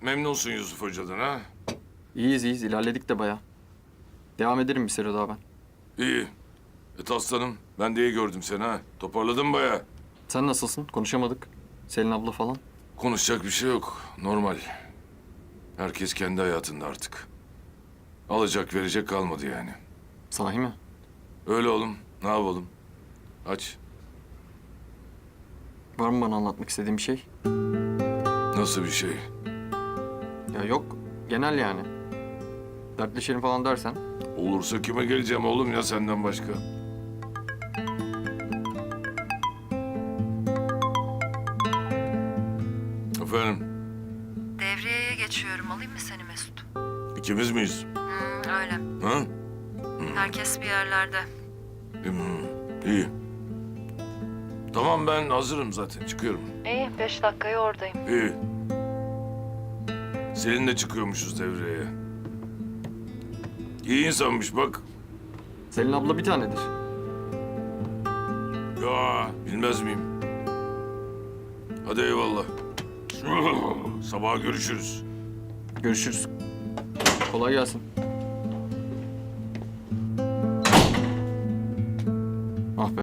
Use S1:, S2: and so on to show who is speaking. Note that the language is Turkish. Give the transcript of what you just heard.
S1: Memnunsun Yusuf Hoca'dan ha?
S2: İyiyiz iyiyiz. İlerledik de bayağı. Devam ederim bir süre daha ben.
S1: İyi. Aslanım, ben de iyi gördüm seni ha. Toparladın bayağı.
S2: Sen nasılsın? Konuşamadık. Selin abla falan.
S1: Konuşacak bir şey yok. Normal. Herkes kendi hayatında artık. Alacak verecek kalmadı yani.
S2: Sahi mi?
S1: Öyle oğlum. Ne yapalım? Aç.
S2: Var mı bana anlatmak istediğin bir şey?
S1: Nasıl bir şey?
S2: Ya yok. Genel yani. Dertleşelim falan dersen.
S1: Olursa kime geleceğim oğlum ya senden başka? Efendim,
S3: Devriyeye geçiyorum. Alayım mı seni Mesut?
S1: ikimiz miyiz?
S3: Öyle.
S1: Ha?
S3: Herkes bir yerlerde.
S1: İyi. Tamam ben hazırım zaten çıkıyorum.
S3: İyi. 5 dakikaya oradayım.
S1: İyi. Seninle çıkıyormuşuz devreye. İyi insanmış bak.
S2: Selin abla bir tanedir.
S1: Ya bilmez miyim? Hadi eyvallah. Sabaha görüşürüz.
S2: Görüşürüz. Kolay gelsin.